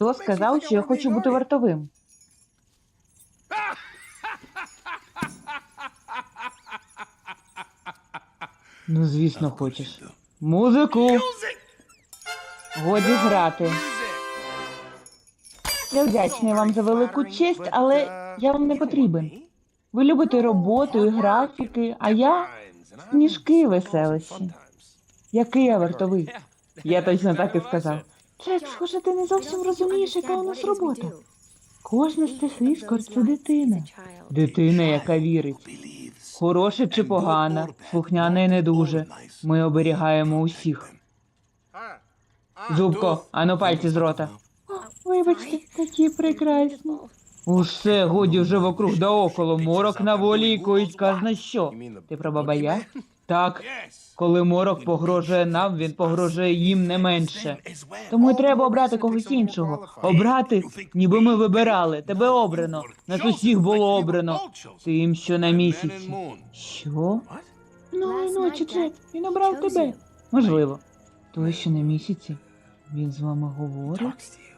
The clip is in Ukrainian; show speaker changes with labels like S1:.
S1: Хто сказав, що я хочу бути вартовим? Ну, звісно, хочеш. Музику! Годі грати. Я вдячний вам за велику честь, але я вам не потрібен. Ви любите роботу і графіки, а я – сніжки і веселощі. Який я вартовий? Я точно так і сказав. Джек, схоже, ти не зовсім розумієш, яка у нас робота. Кожна стихиськор – це дитина. Дитина, яка вірить. Хороша чи погана, слухняна і не дуже. Ми оберігаємо усіх. Зубко, ану пальці з рота. Вибачте, такі прекрасні. Усе, годі вже вокруг да около, морок на волі і коїть казна що. Ти про бабая? Так. Коли морок погрожує нам, він погрожує їм не менше. Тому й треба обрати когось іншого. Обрати, ніби ми вибирали. Тебе обрано. Нас усіх було обрано. Тим, що на місяці. Що? Минулої ночі, Джек, він обрав тебе. Можливо. Той, що на місяці. Він з вами говорить?